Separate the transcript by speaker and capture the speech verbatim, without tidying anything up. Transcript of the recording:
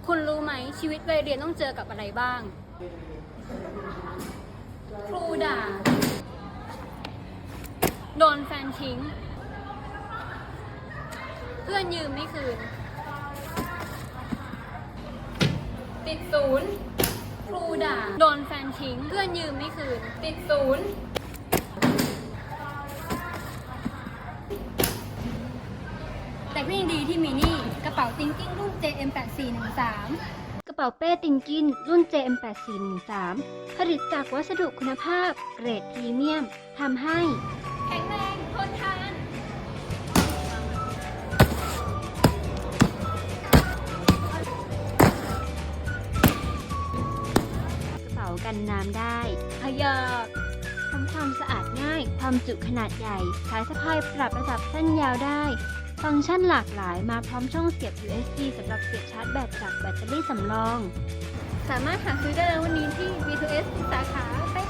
Speaker 1: คุณรู้ไหมชีวิตวัยเรียนต้องเจอกับอะไรบ้าง ครูด่า โดนแฟนทิ้ง เพื่อนยืมไม่คืน ติดศูนย์ ครูด่า โดนแฟนทิ้ง เพื่อนยืมไม่คืน ติดศูนย์ แต่ก็ยังดีที่มีนี่กระเป๋าติงกิ้งรุ่น เจ เอ็ม แปดสี่หนึ่งสาม
Speaker 2: กระเป๋าเป้ติงกินรุ่น เจ เอ็ม แปดสี่หนึ่งสาม ผลิตจากวัสดุคุณภาพเกรดพรีเมียมทำให้
Speaker 1: แข็งแรงทนทาน
Speaker 2: กระเป๋ากันน้ำได้พยอกทำความสะอาดง่าย ความจุขนาดใหญ่ สายสะพายปรับระดับสั้นยาวได้ ฟังก์ชันหลากหลายมาพร้อมช่องเสียบ ยู เอส บี สำหรับเสียบชาร์จแบตจากแบตเตอรี่สำรอง
Speaker 1: สามารถหาซื้อได้แล้ววันนี้ที่ บี ทู เอส ทุกสาขา บ๊าย